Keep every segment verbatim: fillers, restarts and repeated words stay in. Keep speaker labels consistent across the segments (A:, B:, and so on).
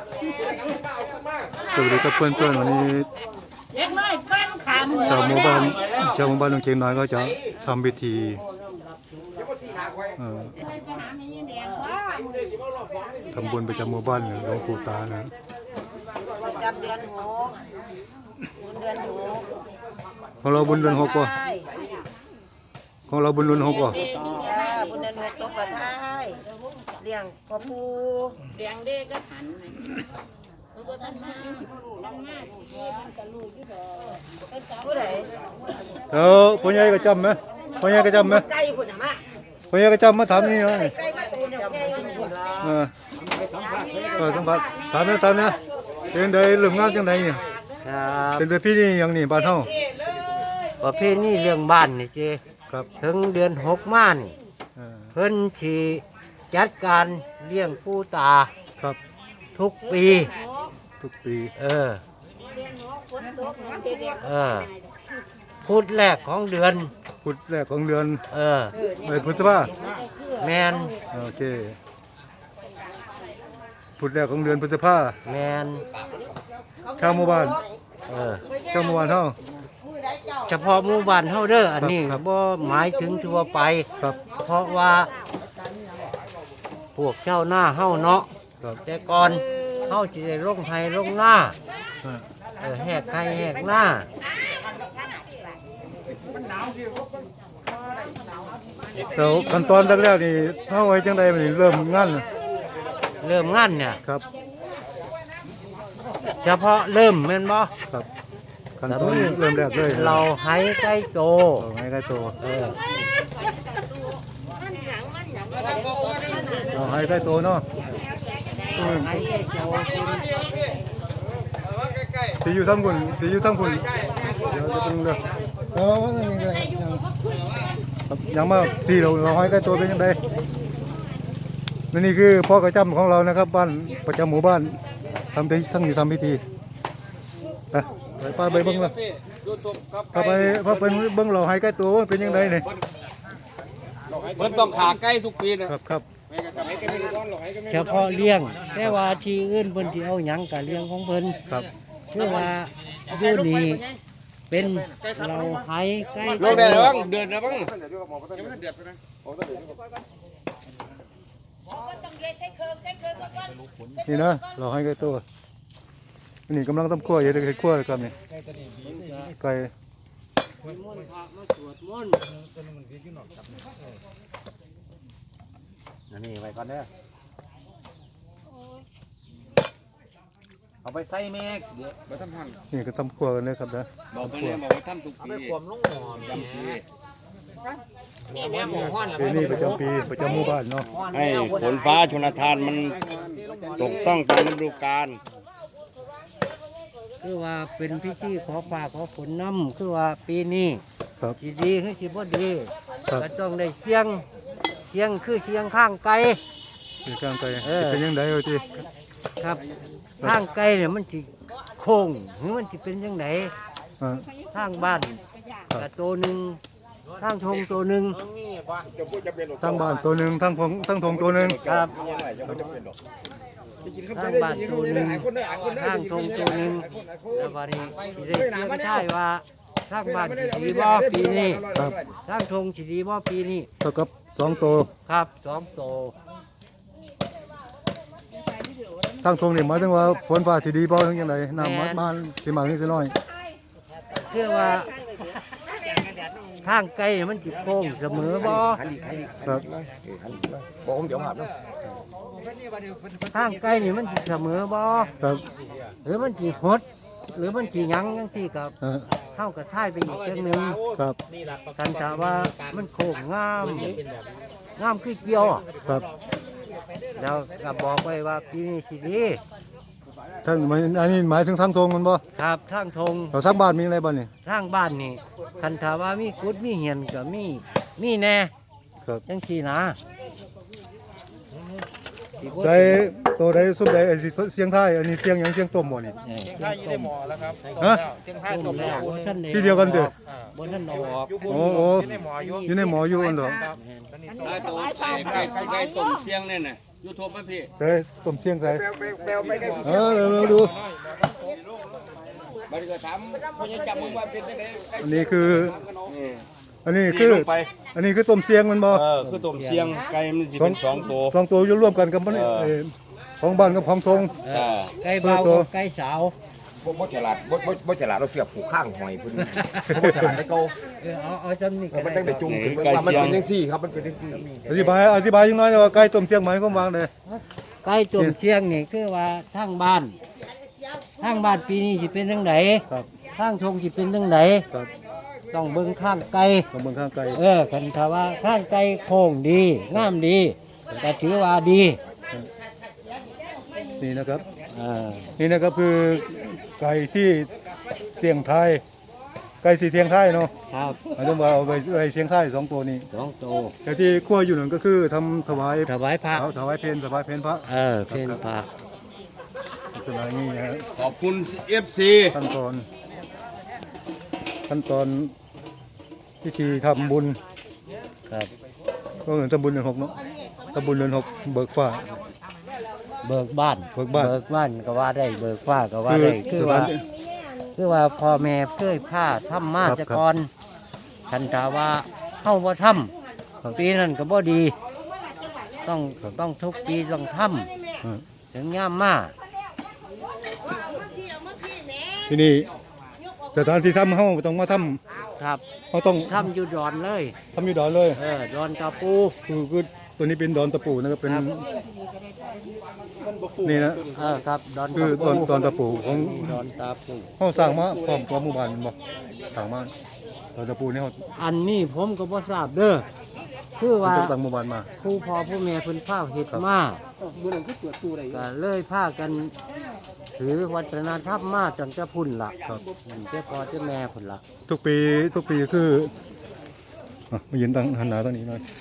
A: สวัสดีครับเพื่อนๆวันนี้ชาวหมู่บ้านชาวหมู่บ้านหนองเชียงน้อยก็จะทำพิธีทำบุญประจำหมู่บ้านหลวงปู่ตานะ
B: ประจำเดือนหกบุญเดือนหก
A: ของเราบุญเดือนหกป่ะของเราบุญเดือนหกป่ะ
B: บุญเดือนหกตกประท้ายเลี้ยงพ่อปู่
C: เลี้ยงเด็กก็หัน
B: ผู้ใด
A: แล้วพ่อใหญ่ก็จำไหมพ่อใหญ่ก็จำไหม
B: ไก่พุ่นน่ะมา
A: พ่อใหญ่ก็จำมาถามนี่เนาะ
B: ไก่มาตูนไก่พุ่น
A: เออก็สัมผัสถามนะถามนะเป็นได้เรื่องงานจังไดนี่
D: ครับ
A: เป็นประเพณีอย่างนี้บ้านเฮา
D: ประเพณีเรื่องบ้านนี่เจ
A: ครับ
D: ถึงเดือนหกม่านเพิ่นสิจัดการเลี้ยงปู่ตา
A: ครับ
D: ทุกปี
A: ทุกปี
D: เออเออพุธแรกของเดือน
A: พุธแรกของเดือน
D: เออ
A: เดือนพฤษภา
D: แมน
A: โอเคพุธแรกของเดือนพฤษภา
D: แมน
A: ชาวหมู่บ้าน
D: เออ
A: ชาวหมู่บ้านเฮา
D: เฉพาะหมู่บ้านเฮาเด้ออันนี้บ่หมายถึงทั่วไป
A: ครับ
D: เพราะว่าพวกเจ้าหน้าเฮาเนาะแต่ก่อนเฮาสิได้ลงไผลงหน้าเออแหกไผแหกหน้า
A: แต่ขั้นตอนแรกๆนี่เฮาไว้จังได๋มันเริ่มงาน
D: เริ่มงานเนี่ย
A: ครับ
D: เฉพาะเริ่มแม่นบ่
A: ครับขั้นตอนเริ่มแรกเลย
D: เราให้ไก่โต
A: เราให้ไก่โต
D: เออ
A: เราให้ไก่โตเนาะที่อยู่ทั้งคนที่อยู่ทั้งคนเดี๋ยวจะเป็นเรื่องเออยังมาสี่เราเราให้ไก่โตเป็นยังไงนี่คือพ่อกระจำของเรานะครับบ้านประจำหมู่บ้านทำทั้งอยู่ทำพิธีไปไปป้าไปเบิ้งละพาไปพาไปเบิ้งเราให้ไก่โตเป็นยังไงเนี่ย
E: เพิ่นต้องขาไก่ทุกปีนะครับ
A: ครับ
D: เฉพาะเลี้ยงแต่ว่าที่อื่นเพิ่นสิเอาหยังก็เลี้ยงของเพิ่น
A: ครับ
D: คือว่าอยู่นี่เป็นเราให้ไก่
E: ลงได้แล้วบ้างเดือนแล้วบ้าง
A: นี่นะเราให้ไก่โตนี่กำลังทำขั้วอยู่ในขั้วเลยครับนี่ไก่
E: อันนี้ไว้ก่อนเด้อเอาไปใส่แม่เดี๋ยวไปทำหั่น
A: นี่ก็ทำขั้วกันเลยครับนะ
E: บอกไปเลยบอกว่าทำทุกปีความลงหม้อจำปี
A: นี่แม่หมูฮ้อนปีนี้ประจำปีประจำหมู่บ้านเนาะ
E: ให้ฝนฟ้าชลทานมันตกต้องตามฤดูกาล
D: คือว่าเป็นพิธีขอฟ้าขอฝนน้ำคือว่าปีนี้สิดีคือสิบ่ดีก็ต้องได้เสียงเสียงคือเสียงข้างไกล
A: เสียงข้างไกลเป็นยังไงเอาที
D: ครับข้างไกลเนี่ยมันสิโค้งหรือมันสิเป็นยังไงข้างบ้านกระโตหนึ่งข้างทงตัวหนึ่ง
A: ทั้งบ้านตัวหนึ่งทั้งพงทั้งทงตัวหนึ่ง
D: ครับข้างบ้านตัวหนึ่งข้างทงตัวหนึ่งแล้ววันนี้สิได้ไม่ใช่ว่าข้างบ้านสิดีบ่ปีนี้ข้างทงสิดีบ่ปีนี้
A: เท่ากับสองตัว
D: ครับสองตัว
A: ทั้งทงนี่หมายถึงว่าฝนฟ้าสิดีบ่ถึงยังไงน้ำมันมันสิมากสิน้อย
D: คือว่าข้างไกลมันจิโค้งเสมอบ่
A: ครับ
E: ผมเดี๋ยวหับนะ
D: ข้างไกลนี่มันจิเสมอบ่
A: ครับ
D: หรือมันจิหดหรือมันจิยั้งยังที่กับเข้ากับท้ายไปอีกเรื่องนึง
A: ครับ
D: กันแต่ว่ามันโค้งงามงามคือเกี่ยว
A: ครับ
D: แล้วก็บอกไว้ว่าปีนี้สิดี
A: ทั้งอันนี้หมายถึงทั้งทงมันบ่
D: ครับทั้งทง
A: เราทั้งบ้านมีอะไรบ้างนี่
D: ทั้งบ้านนี่คันถาว่ามีกุดมีเหียนก็มีมีแน่
A: ครับ
D: จังซี่นะ
A: ใส่ตัวใดสุดใดไอ้เสียงไทยอันนี้เสียงยังเสียงต้มบ่นี่
E: เสียงไทยอยู่ในหม้อแล้วครับ
A: ฮะ
E: เสียงไทยต้มแล้ว
A: ที่เดียวกันเด้
D: อบนท่านออก
A: โอ้โหอยู่ในหม้ออยู่อันเด้อ
E: ไก่ตัวไก่ไก่ไก่ต้มเสียงนี่น่ะ
F: ยูทูบไหมพี่
A: ใส่ต้มเสียงใส่
E: แปลไปแค่
A: เออเราเราดู
E: บัดนี้ก็ถามพญาจับมึงว่าเป็นจังได๋
A: อันนี้คือ อันนี้คือ อันนี้คือต้มเสียงมันบ่
E: เออคือต้มเสียงไก่มันสิเป็นสองตัว
A: สองตัวอยู่ร่วมกันกับมันนี่เอ่อของบ้านกับของทง
D: เออไก่เบากับไก่สาว
G: บ่บ่ฉลาดบ่บ่บ่ฉลาดเราเสียบผูกข้างหอยพุ่นบ่ฉลาดแต่เก่า
D: เออเอาเอาซ้ำนี่
G: เอ
D: ก็
G: อมัน
D: ได้
G: ตั้งแต่จุ่มขึ้นว่ามันเป็นจังซี่ครับมันเป็นจังซี่
A: อธิบายอธิบายยังน้อยว่าไก่ต้มเสียงหมายความว่าเลย
D: ไก่ตุ่มเชียงนี่คือว่าทางบ้านทางบ้านปีนี้สิเป็นจังได
A: ครับ
D: ทางทงสิเป็นจังได
A: ครับ
D: ต้องเบิ่งข้างไก่
A: ต้องเบิ่งข้างไก่
D: เออคันถ้าว่าข้างไก่โค้งดีงามดีก็ถือว่าดี
A: นี่นะครับ
D: เออ
A: นี่นะครับคือไก่ที่เสียงไทายไก่สีเสียงไทายเนาะ
D: ครับ
A: หมายถึงว่าเอาไปไปเสียงไทายสองตัวนี้
D: สองโต
A: แต่ที่ขั้วอยู่นั่นก็คือทำถวาย
D: ถวายพระ
A: เอาถวายเพลถวายเพลพระ
D: เออเพนพระ
A: ลักษณะนี้นะฮะ
E: ขอบคุณ เอฟ ซี
A: ขั้นตอนขั้นตอนพิธีทำบุญ
D: ครับ
A: ก็เหมือนทำบุญเดือนหกเนาะทำบุญเดือนหกเบิกฟ้า
D: เบิกบ้าน
A: เบิกบ้าน
D: เบิกบ้านก็ว่าได้เบิกฟ้าก็ว่า
A: คือ
D: ได้คือ
A: สถา
D: ว่าน คือว่าพ่อแม่เคยพาทำมา
A: ครับ
D: แตะกอนคันถาว่าเข้าบ่ท
A: ครับ
D: ำปีนั้นก็บ่ดี ต้องต้องทุกปีต้องท
A: อืม
D: ำถึงย่ามมา
A: ที่นี่สถานที่ทำเขาต้องมาท
D: ครับ
A: ำเขาต้อง
D: ทำอยู่ดอนเลย
A: ทำอยู่ดอนเลย
D: เออดอนตาปู
A: คือคือตัวนี้เป็นดอนตะปูนะครับเป็นนี่นะ
D: เออครับดอน
A: คื
D: ตา
A: อ
D: ปู
A: ดอนดอนตะปูของ
D: ดอนตาปู
A: เขาสร้างมาพร้อมตัวหมู่บ้านแม่นบ่สร้างมาดอนตะปูนี่เขา
D: อันนี้ผมก็บ่ทราบเด้อคือว่า
A: จะตั้งหมู่บ้านมา
D: ผู้พ่อผู้แม่เพิ่นพาเฮ็ดมาก็เลยพากันถือวัฒนธรรมมาตั้งแต่พุ่นล่ะครับเจ้าพ่อเจ้าแม่พุ่นล่ะ
A: ทุกปีทุกปีคืออ่ะมายืนตั้งหันหน้าตั้งนี้หน่อย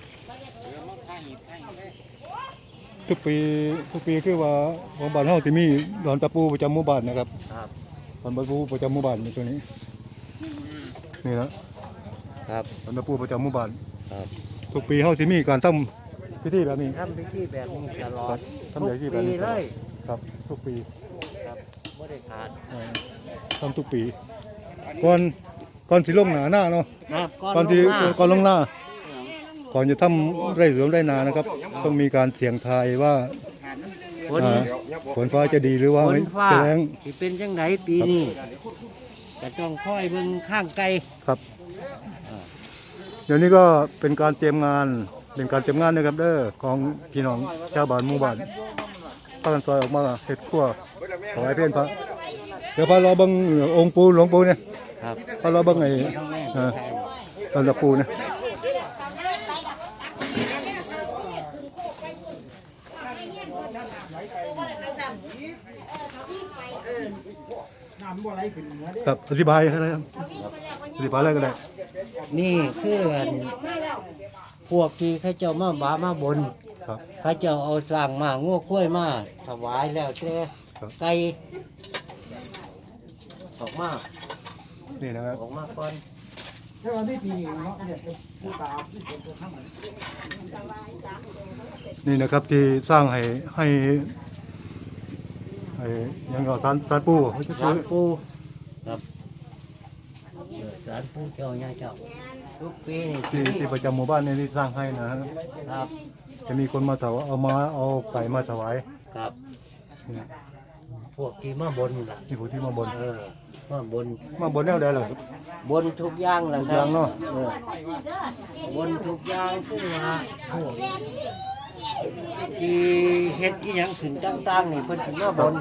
A: ทุกปีทุกปีคือว่าของบ้านเฮาที่มีดอนตะปูประจำหมู่บ้านนะครับ
D: ครับ
A: ดอนตะปูประจำหมู่บ้านอยู่ตัวนี้นี่นะครับ ดอนตะปูประจำหมู่บ้าน
D: ครับ
A: ทุกปีเฮาที่มีการทำพิธีแบบนี้
D: ทำพิธีแบบนี้ตลอด
A: ทำแบบนี้แบบ
D: ปี
A: นี้
D: เลย
A: ครับทุกปี
D: ครับบ่ได้ขาด
A: เออทำทุกปีก่อนก่อนสิลงหนาหน้าเนาะ
D: ครับ
A: ก่อนที่
D: ลงมา
A: ก่อนลงหน้าก่อนจะทำไร่สวนไร่นานะครับ ต้องมีการเสี่ยงทายว่า
D: ฝน
A: อ่าฝนฟ้าจะดีหรือว่า
D: ฝ
A: ไม่
D: นฟ้า
A: จะแรง
D: สิเป็นจังไดปีนี้ก็ต้องคอยเบิ่งข้างไกล
A: ครับเดี๋ยวนี้ก็เป็นการเตรียมงานเป็นการเตรียมงานนะครับเด้อของพี่น้องชาวบ้านหมู่บ้านพากันซอยออกมาเฮ็ดครัวถวายเพลพระเดี๋ยวพาเราเบิ่งองค์ปู่หลวงปู่เนี่ย
D: ครับ
A: พาเราเบิ่งไอ้เอ่อตอนตะปูเนี่ยครับอธิบายอะไรครับอธิบายอะไรก็ได้
D: นี่คืออันพวกที่เขาเจ้ามาบามาบน
A: ครับ
D: เขาเจ้าเอาสร้างมางัวกล้วยมาถวายแล้วแต่
A: ครับ
D: ไก่ออกมา
A: นี่นะครับ
D: ออกมาก่อน
A: นี่นะครับที่สร้างให้ให้ให้หยังก็สารสารปูเขาจะ
D: สา
A: ซื้อ
D: รปูครับเออสารปูเจ้าย่าเจ้าทุกปีนี่
A: ที่ที่ประจำหมู่บ้านนี่ที่สร้างให้นะฮะ
D: ครับ
A: จะมีคนมาถวายเอามาเอาไก่มาถวาย
D: ครับ
A: นี่
D: พวกที่มาบนล่ะ
A: ที่ผู้ที่มาบน
D: เออมาบน
A: มาบนแนวใดล่ะ
D: บนทุกอย่างล่ะ
A: ทุก
D: ค
A: อ
D: รั
A: ย่า
D: บ
A: งเนาะ
D: เออบนทุกอย่างคือว่าพวกที่เฮ็ดอีหยังขึ้นต่างๆนี่เพิ่นสิมาบน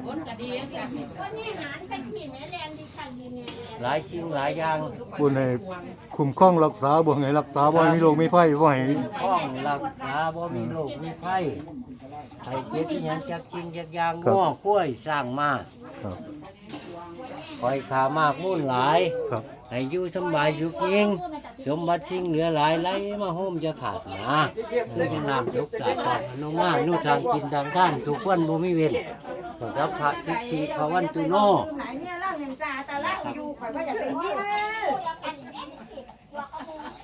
D: หลายสิ่งหลายอย่าง
A: บนให้คุ้มครองรักษาบ่ให้รักษาบ่ให้มีโรคมีภัยบ่ให้
D: ป้องรักษาบ่มีโรคมีภัยให้เจ็บอีหยังจักจริงจักอย่างง้อกล้วยสร้างมา
A: ครับ
D: ปล่อยขามากมุ่นหลาย
A: ครับ
D: ให้อยู่สำบายสุขยิ่งสมบัติสิ่งเหลือหลายไหลมาโฮมจะขาดนะคือจะน้ำยกสาตอนนงมานู่ทางกินทางท่านทุกวันบ่มีเวรสัพพะสิทธิภวันตุโน
B: ไหนเนี่ยเล่าอย่างจ่าแต่เล่าอยู่ข่อยว่าอยากไปยิน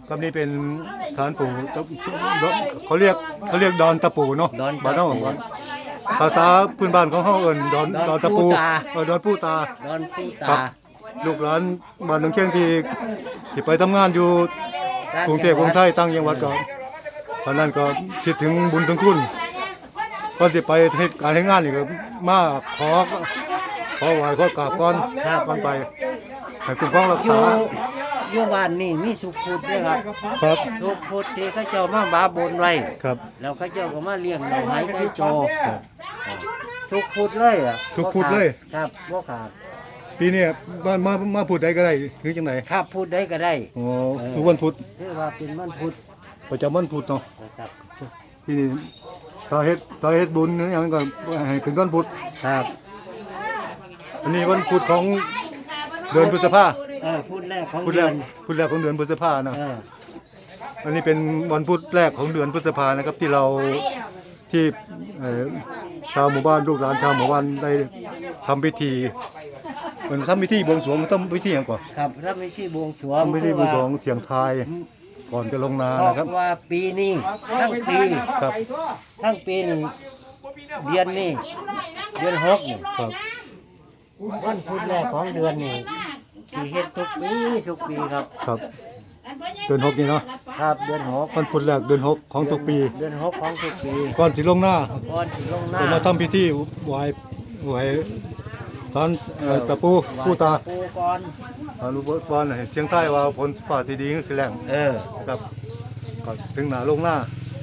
A: กับนี่เป็นสารปู่ตะเขาเรียกเขาเรียกดอนตะปูเนาะ
D: ดอน
A: บ้าน
D: ตะ
A: เฮา
D: ปู
A: ภาษาพื้นบ้านของเฮาเอิ้นดอน
D: ดอน
A: ดอนตะปู
D: ปูตา
A: เออดอนปูตา
D: ดอนผู้
A: ครั
D: ตา
A: บ ลูกหลานบ้านหนองเชียงที่ที่ไปทำงานอยู่กรุงเทพกรุงไทยตั้งจังหวัดก็ตอนนั้นก็คิดถึงบุญถึงคุณก่อนสิไปเฮ็ดการเฮ็ดงานนี่ก็มาขอขอไหว้ขอกราบก่อนก่อนไปให้คุ้มครองรัก
D: อยู่
A: ษา
D: อยู่บ้านนี่มีสุขพุทธด้วยครับ
A: ครับ
D: สุขพุทธที่เขาเจ้ามาบาบนไว้
A: ครับ
D: แล้วเขาเจ้าก็มาเลี้ยงเราให้ได้โตทุกพุทธเลยอ่ะ
A: ทุกพุธเลย
D: ครับบ่ขาด
A: ปีนี้มามามาพูดได้ก็ได้คือจังได
D: ครับพุทธได้ก็ได้
A: อ๋อทุกวันพุธ
D: คือว่าเป็นวันพุธ
A: ประจำวันพุธเนาะ
D: นะครับ
A: ที่นี่ถ้าเฮ็ดถ้าเฮ็ดบุญเนี่ยอย่างนั้นก็ให้เป็นวันพุธ
D: ครับ
A: อันนี้วันพุธของเดือนพฤษภา
D: เออพุธแรกของ
A: พุธแร
D: เดือก น
A: พุธแรกของเดือนพฤษภานะ
D: เออ
A: อันนี้เป็นวันพุธแรกของเดือนพฤษภานะครับที่เราที่เอ่อชาวหมู่บ้านลูกหลานชาวหมู่บ้านได้ทำพิธีเหมือนทำพิธีบวงสรวงทำพิธีอย่างก่อน
D: ครับถ้าไม่ใช่บวงสรวง
A: ทำพิธีบวงสรวงเสียงทายก่อนจะลงนา
D: เพราะ
A: นะครับ
D: ว่าปีนี้ทั้งปี
A: ครับ
D: ทั้งปีนี่เดือนนี้เดือนหกนี่
A: ครับ
D: วันพุธแรกของเดือนนี่สีเฮ็ดทุกปีทุกปีครับ
A: ครับเดือนหกนี่เนาะ
D: ครับเดือนหก
A: วันพุธแรกเดือนหกของทุกปี
D: เดือนหกของทุกปี
A: ก่อนสิลงหน้า
D: ก่อนสิลงหน้า
A: จะมาทำพิธีไหว้ไหว้สารเอ่อตะปูปูตา
D: ปูก่อน
A: อนุบาลให้เชียงใต้ว่าผลฟ้าสีดีคือสิแรง
D: เออ
A: ครับก็ถึงหน้าลงหน้า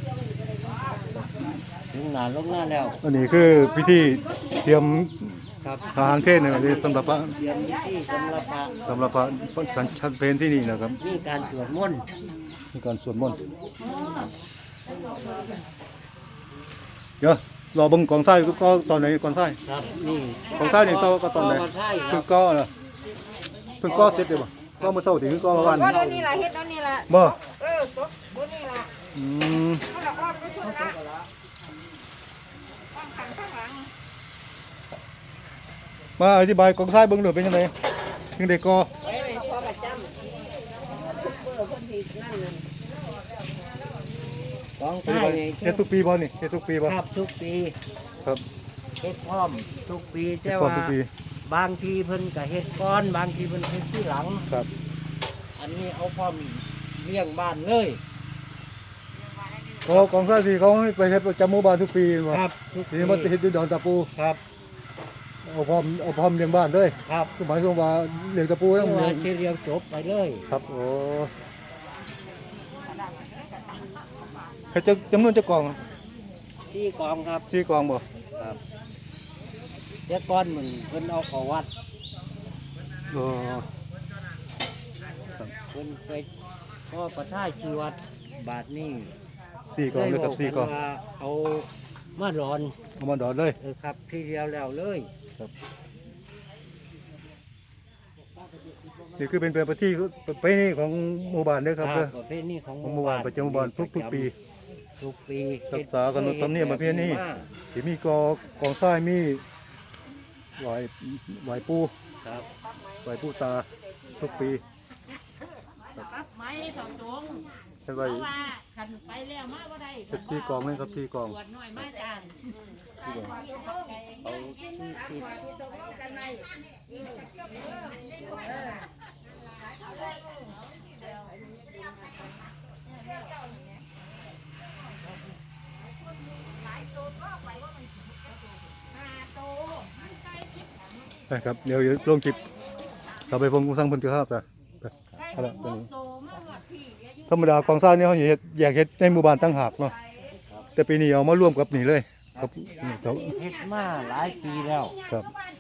D: ถึงหน้าลงหน้าแล้ว
A: อันนี้คือพิธีเตรียม
D: ครับ
A: ทหารเพศเนี่ยสำหรับพระ
D: เตรียมพิธีสำหรับพระ
A: สำหรับพระสัญชันเพศที่นี่นะครับ
D: มีการสวดมนต์
A: มีการสวดมนต์เดี๋ยวรอเบังกองไส้ก็ตอนไหนกองไส้
D: ครับนี่
A: กองไส้นี่ก็ก็ตอนไหน
D: ก็ใช่ค
A: คื
D: รั
A: อบ ก็เหรอเพิ่งก็เสร็จเลยบ่ก็มาเศร้าถึงก็มาวัน
B: ก็เดี๋ยวนี้ล่ะเฮ็ดเดี๋ยวนี้ล่ะ
A: บ่
B: เออตกเดี๋ยวนี้ล่ะ
A: อืม
B: เขาละอ้อมไปพุ่นละอ้อมขังข้างหลัง
A: มาอธิบายกองไส้เบิ่งหน่อยเป็นยังไงยังได้ก็
B: ไว้พอประจำเพื่อคนที่นั่นน่ะ
D: ของใต้นี่
A: เฮ็ดทุกปีบ่นี่เฮ็ดทุกปีบ่
D: ครับทุกปี
A: ครับ
D: เฮ็ดพร้อมทุกปี
A: เฮ็ด
D: แต่
A: พร้อม
D: ว่า
A: ทุกปี
D: บางทีเพิ่นก็เฮ็ดก่อนบางทีเพิ่นเฮ็ดที่หลัง
A: ครับ
D: อันนี้เอาพร้อมเลี้ยงบ้านเลย
A: ก็กองไส้ที่เขาให้ไปเฮ็ดประจำหมู่บ้านทุกปีบ่
D: ครับทุก
A: ทีนี้มันเฮ็ดที่ดอนตะปู
D: ครับ
A: เอาพร้อมเอาพร้อมเลี้ยงบ้านเลย
D: ครับ
A: คือหมายความว่าเลี้ยงตะปูแล้วมัน
D: ว่า
A: เลี้ยง
D: ที่เรียงจบไปเลย
A: ครับโอ้เฮ็ดจะจำนวนจะกอง
D: ที่กองครับ
A: สี่กองบ่
D: ครับแต่ก่อนมันเพิ่นเอาเข้าวัด
A: โอ้
D: เพิ่นไปก็ประทายชีวัดบาทนี้
A: สี่กองเลยครับสี่กอง
D: ว่าเอามาร้อน
A: เอามาดอดเลย
D: เออครับที่เดียวแล้วเลย
A: นี่คือเป็นประเพณีประเพณีของหมู่บ้านเด้อครับเด้อ
D: ประเพณีของ
A: ของหมู่บ้านประจำหมู่บ้านทุกๆปี
D: ทุกปี
A: รักษาขนบธรรมเนียมประเพณี ที่มีกอกองทรายมีไหวไหวปู
D: ครับ
A: ไหวปูตาทุกปี
C: ปั๊บไม้สองตรง
A: เฮ็ด
C: เพ
A: ไว้
C: ราะว่าขันไปแล้วมาบ่ได้
A: เฮ็ดสี่กองเลยครับสี่กอง
C: ตรวจหน่อยมาจาง
A: สี่กอง
D: เอาที่ติด
A: นะครับเดี๋ยวเดี๋ยวลงคลิปเราไปฟังทางเพิ่นจะครับจ้ะไปเอาละตรงนี้ธรรมดากองทรายนี่เขาสิเฮ็ดแยกเฮ็ดในหมู่บ้านต่างหากเนาะแต่ปีนี้เอามารวมกับนี่เลยครับนี่ครับ
D: เฮ็ดมาหลายปีแล้ว
A: ครับ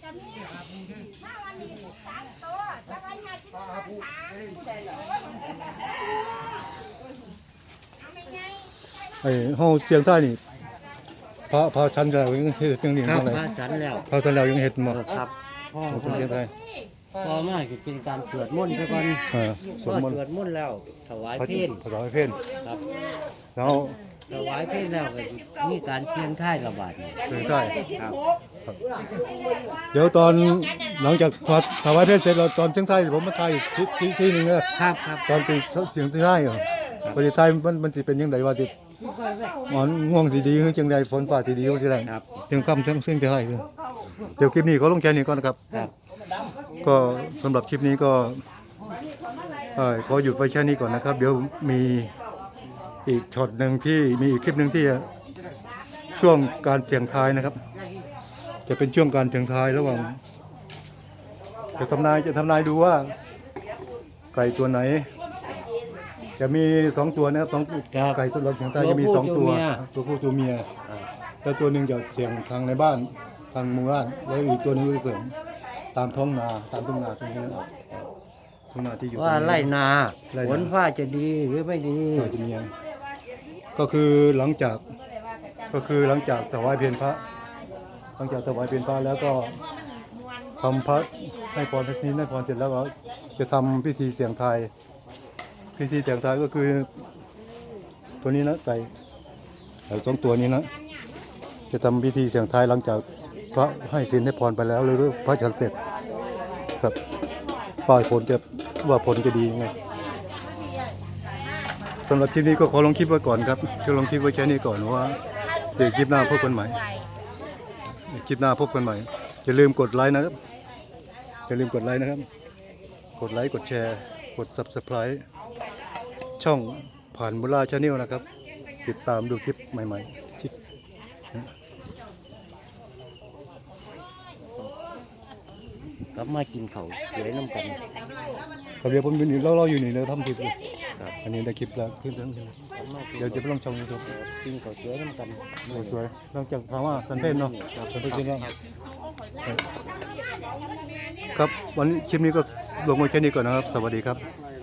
A: ไอ้เฮาเสียงใต้นี่พระพระชั้นแล้วยังเฮ็ดจังนี้
D: ครับ
A: จังได
D: มาสันแล้ว
A: พระชั้นแล้วยังเฮ็ดบ่
D: เออครับพ่อ
A: ของคนเสียงใต้
D: พ่อมาก็เป็นการสวดมนต์ไปก่อน
A: เออส
D: พอ
A: วดมนต์
D: สวดมนต์แล้วถวาย
A: พระ
D: เพล
A: พระถวายเพล
D: ครับ
A: แล้ว
D: ถวายเพลแล้วก็มีการเชียงท่ายระบาดนี่
A: เสียงใต้
D: ครับ
A: เดี๋ยวตอนหลังจากถวายเพลเสร็จแล้วตอนเสียงใต้ผมมาถ่ายอีกที่ที่ที่หนึงเด้อ
D: ครับครับ
A: ตอนตีเสียงที่ใต้เหรอ
D: ค
A: ประเทศไทยมันมันสิเป็นยังไงว่าสิหมอนง่วงสิดีคือจังไดฝนฟ้าสิดีคือจังได
D: ครับ
A: ถึงค่ำถึงเที่ยงจะให้คือเดี๋ยวคลิปนี้ก็ลงแค่นี้ก่อนนะครับ
D: ครับ
A: ก็สำหรับคลิปนี้ก็เอ่อขอหยุดไว้แค่นี้ก่อนนะครับ เดี๋ยวมีอีกช็อตหนึ่งที่มีอีกคลิปหนึ่งที่ช่วงการเสี่ยงทายนะครับ จะเป็นช่วงการเสี่ยงทายระหว่างจะทำนายจะทำนายดูว่าไก่ตัวไหน จะมีสองตัวนะครับสองไก่สำหรับเสี่ยงทายจะมีสองตัวตัวผู้ตัวเมียแล้วตัวหนึ่งจะเสี่ยงทางในบ้านทางหมู่บ้านแล้วอีกตัวหนึงจะเสี่ยงตามท้องนาตามทุ่งนาตรงนี้ทุ่งนาที่อยู่
D: ว่าไล่นา
A: ไร่นา
D: ฝนฟ้าจะดีหรือไม่ดี
A: ก็จะมีอย่างก็คือหลังจากก็คือหลังจากถวายเพลพระหลังจากถวายเพลพระแล้วก็ทำพระให้พรพระศีลให้พรเสร็จแล้วก็จะทำพิธีเสี่ยงทายพิธีเสี่ยงทายก็คือตัวนี้นะไก่ไก่สองตัวนี้นะจะทำพิธีเสี่ยงทายหลังจากพระให้ศีลให้พรไปแล้วหรือพระฉันเสร็จครับป้ายผลจะว่าผลจะดียังไงสำหรับคลิปนี้ก็ขอลงคลิปไว้ก่อนครับจะลงคลิปไว้แค่นี้ก่อนว่าเดี๋ยวคลิปหน้าพบกันใหม่เดี๋ยวคลิปหน้าพบกันใหม่อย่าลืมกดไลค์นะครับอย่าลืมกดไลค์นะครับกดไลค์กดแชร์กด ซับสไครบ์ ช่องผ่านบุราชาแนลนะครับติดตามดูคลิปใหม่ๆคลิป
D: กลับมากินเขาวสวยน้ำกัน
A: ครับเดี๋ยวผมอยู่นี่เราเราอยู่นี่เราทำคลิปอยู่อันนี้ได้คลิปแล้วขึ้นแล้ว
D: กลับมากิน
A: เดี๋ยวจะไปลงช่องยูทูบ
D: กินเขาวสวยน้ำกัน
A: สวยๆหลังจากถามว่าสันเพนเนาะสันเพนกินแล้วครับวันนี้คลิปนี้ก็ลงไว้แค่นี้ก่อนนะครับ สวัสดีครับ